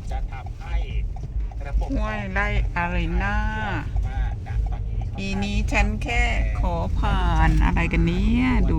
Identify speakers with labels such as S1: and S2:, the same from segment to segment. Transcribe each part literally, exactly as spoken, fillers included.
S1: จะทำให้ระบบ
S2: ห้วยไร่อารีนาปีนี้ฉันแค่ขอผ่านอะไรกันเนี้ยดู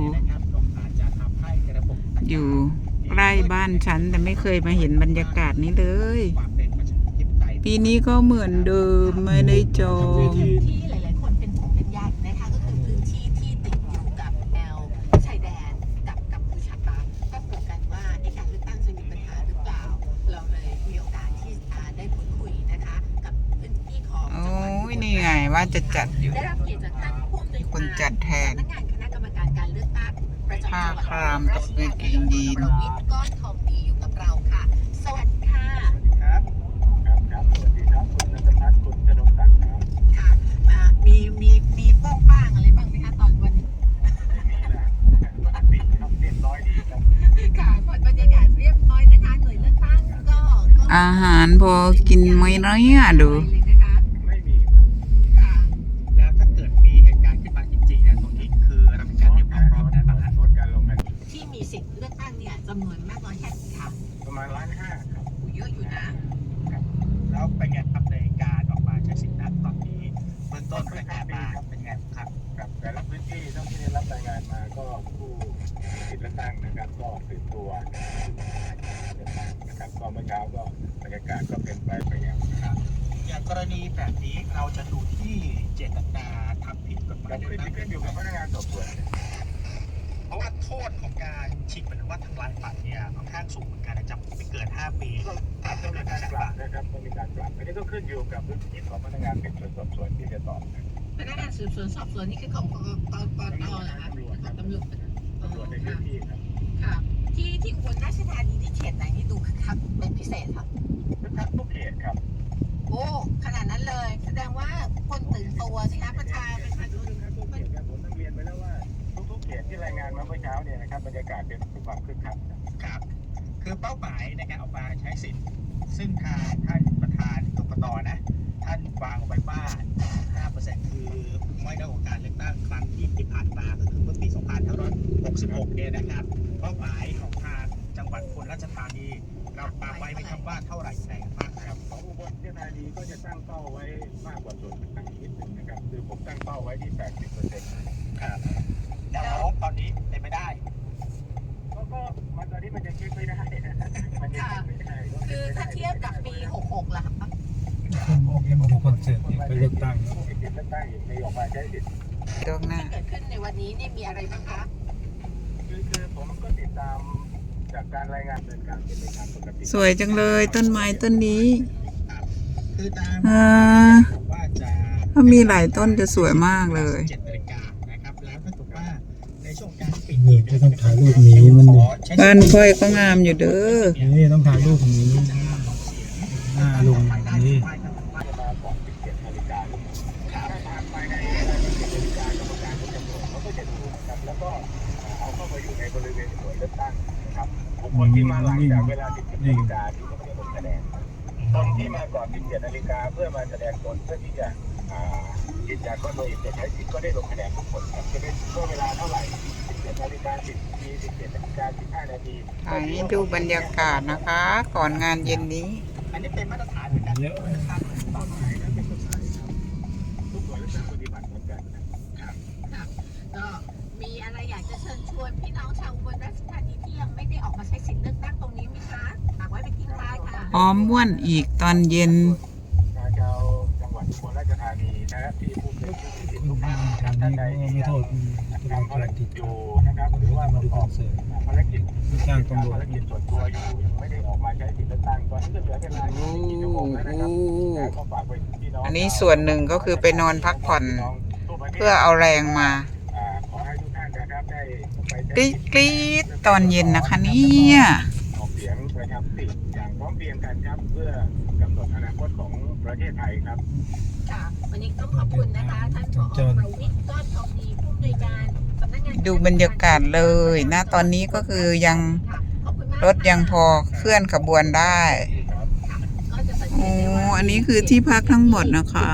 S2: อยู่ใกล้บ้านฉันแต่ไม่เคยมาเห็นบรรยากาศนี้เลยปีนี้ก็เหมือนเดิมไม่ได้จอง
S3: ที่หลายๆคนเป็นห่วงเป็นใยนะคะก็คือพื้นที่ที่ติดอยู่กับแนวชายแดนกับกัมพูชาก็กลัวกันว่าในการเลือกตั้งจะมีปัญหาหรือเปล่าเราเลยมีโอกาสที่ได้พูดคุยนะคะกับพื้นที่ของ
S2: โอ้ยนี่ไงว่าจะจัดอยู่
S3: ได้รับเกียรติจากท่านผู้อำนวยการ
S2: คนจัดแทน
S3: สำนักงานคณะกรรมการการเลือกตั้งประจำจังหวัด
S2: ผ้าครามกับกางเกงยีน
S3: ประวิตรก้อนทองดีอยู่กับเราค่ะสวัสดีค่ะ
S1: ครับครับครับสวัสดีครับคุณนันทพัฒน์คุณธนงศักดิ์ครับ
S3: ค่ะอ่ามีมีมีโป้งป้างอะไรบ้างไหมคะตอนวันนี้
S1: ไม่มีนะปกติครับเรียบร้อยดีครับ
S3: ค่ะบรรยากาศเรียบร้อยนะคะหน่วยเลือกตั้งก็
S2: อาหารพอกินไหมเนี้ยดู
S1: ไม่มี
S3: ค่ะ
S1: แล้วถ้าเกิดมีเหตุการณ์ขึ้นมาจริงๆเนี่ยตรงนี้คือเรามีการเตรียมความพร้อมแต่บางอันลดการลงกัน
S3: ที่มีสิทธิ์เลือกตั้งเนี่ยจำนวนมากน้อยแค่ไหนคะ
S1: ประมาณล้านห้าครับ
S3: เยอะอยู่นะ
S1: แล้วเป็นไงครับในการออกมาใช้สิทธิ์นั้นตอนนี้เบื้องต้นรายงานมาเป็นไงครับครับแต่ละพื้นที่ต้องที่ได้รับรายงานมาก็ผู้สิทธิ์เลือกตั้งนะครับก็ตื่นตัวเลือกตั้งนะครับก็เมื่อเช้าก็บรรยากาศก็เป็นไปไปอย่างครับอย่างกรณีแบบนี้เราจะดูที่เจตนาทำผิดกฎหมายที่ขึ้นอยู่กับพนักงานสอบสวนเพราะว่าโทษของการชิงหรือว่าทำลายบัตรเนี่ยค่อนข้างสูงเหมือนกันจำคุกไม่เกินห้าปีถ้าต้องมีการปรับนะครับต้องมีการปรับอันนี้ก็ขึ้นอยู่กับพื้นที่ของพนักงานสืบสวนสอบสวนที่จะตอบ
S3: พนักงานสืบสวนสอบสวนนี่คือของกกกตเหรอคะของตำรวจ
S1: ตำรวจในพื้นที่ครับ
S3: ค่ะที่ที่อุบลราชธานีที่เขตไหนนี่ดูคึกคักเป็นพิเศษครับ
S1: คึกคักทุกเขตครับ
S3: โอ้ขนาดนั้นเลยแสดงว่าคนตื่นตัวสิคะประชาประชาชน
S1: ทุกเขตครับผมต้องเรียนไปแล้วว่าทุกๆเขตที่รายงานมาเมื่อเช้าเนี่ยนะครับบรรยากาศเป็นความคึกคักครับคือเป้าหมายในการออกมาใช้สิทธิ์ซึ่งทางท่านประธานกกตนะท่านวางไว้ว่า ห้าเปอร์เซ็นต์ คือไม่ได้ของการเลือกตั้งครั้งที่ผ่านมาก็คือเมื่อปี สองพันห้าร้อยหกสิบหก เนี่ยนะครับเป้าหมายของทางจังหวัดอุบลราชธานีเราปาไว้ไหมครับว่าเท่าไหร่แสนบ้างครับของอุบลราชธานีก็จะตั้งเป้าไว้มากกว่าส่วนต่างนิดนึงนะครับคือผมตั้งเป้าไว้ที่ แปดสิบเปอร์เซ็นต์ ครับแล้วตอนนี้เป็นไม่ได้ก็ก็มันตอนนี้มันยังเช็คไม่ได้มันยังเช็คไม่ได้
S3: คือถ้าเทียบกับปีหกสิบหกล่ะครับ
S4: มาดูคอนเสิร์ตไปเลือกตั้ง
S1: เลือกตั้งในออกมาใช้สิทธิ์
S2: ตรงหน้า
S3: ที่เกิดขึ้นในวันนี้นี่มีอะไรบ้างคะ
S1: คือคือผมก็ติดตามจากการรายงานเป็นการเป็นไปตามปกติ
S2: สวยจังเลยต้นไม้ต้นนี้
S1: คือตามว่าจะ
S2: ถ้ามีหลายต้นจะสวยมากเลย
S1: เจ็ดนาฬิกานะครับแล้วก็ถูกว่าในช่วงการปิด
S4: นี่จะต้องถ่ายรูปนี้มันดิ
S2: บ้านค่อยก็งามอยู่เด้อ
S4: นี่ต้องถ่ายรูปนี้หน้าลุงนี่
S1: มาก่อนสิบเจ็ดนาฬิกาถ้าผ่านไปในเวลาสิบเจ็ดนาฬิกากรรมการก็จะตรวจเขาก็จะดูนะครับแล้วก็เอาเข้าไปอยู่ในบริเวณหน่วยเลือกตั้งนะครับบุคคลที่มาหลังจากเวลาสิบเจ็ดนาฬิกาที่ก็ไม่ได้ลงคะแนนคนที่มาก่อนสิบเจ็ดนาฬิกาเพื่อมาแสดงตนเพื่อที่จะยืนยันว่าตัวเองจะใช้สิทธิ์ก็ได้ลงคะแนนทุกคนครับจะเป็นช่วงเวลาเท่าไหร่สิบเจ็ดนาฬิกาสิบนาทีสิบเจ็ดนาฬิกาสิบห้านาที
S2: อันนี้ดูบรรยากาศนะคะ ก่อนงานเย็นนี้
S1: อันนี้เป็นมาตรฐานเหมือนกันมาตรฐานต่อไปนะเป็นกฎหมายครับทุกหน่วยเลือกตั้งปฏิบัติเหมือนกันนะครับ
S3: ก็มีอะไรอยากจะเชิญชวนพี่น้องชาวอุบลราชธานีที่ยังไม่ได้ออกมาใช้สิทธิ์เลือกตั้งตรงนี้ไหมคะฝากไว้เป็นทิ้งท้ายค่ะ
S2: พร้อมม่วนอีกตอนเย็น
S1: ชาวจังหวัดอุบลราชธานีนะครับที่ผู้มีสิทธิ์ทุกท่านนะครับท่านใดที่
S4: ไม่โทษ
S1: ทำภารกิจอยู่นะครับหรือว่าประกอบภารกิจ
S4: จ้างตำรวจ
S1: ภารกิจส่วนตัวอยู่ไม่ได้ออกมาใช้สิทธิ์เลือกตั้งตอนนี้ก็เหลือเวลายี่สิบสี่ชั่วโมงแล้วนะครับก็ฝากไว้พี่น้อง
S2: อันนี้ส่วนหนึ่งก็คือไปนอนพักผ่อนเพื่อเอาแรงมา
S1: ขอให้ทุกท่านนะครับได้
S2: กรี๊ดกรี๊ดตอนเย็นนะคะเนี่ย
S1: ออกเสียงประชามติอย่างพร้อมเพรียงกันครับเพื่อกำหนดอนาคตของประเทศไทยครับ
S3: ค่ะวันนี้ต้องขอบคุณนะคะท่านผอ.ประวิตรก้อนทองดีผู้อำนวยการสำนักงาน
S2: ดูบรรยากาศเลยนะตอนนี้ก็คือยังรถยังพอเคลื่อนขบวนได้โอ้อันนี้คือที่พักทั้งหมดนะคะ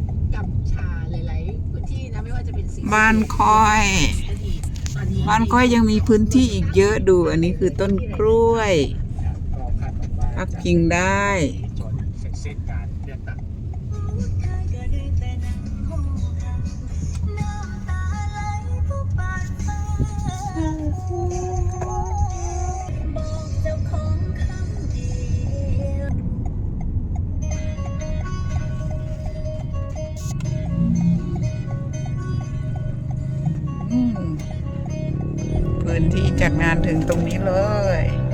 S2: บ้านค่อยบ้านค่อยยังมีพื้นที่อีกเยอะดูอันนี้คือต้นกล้วยพักพิงได้
S1: จนเสร็จสิ้นการเลือกตั้ง
S2: อืมพื้นที่จัดงานถึงตรงนี้เลย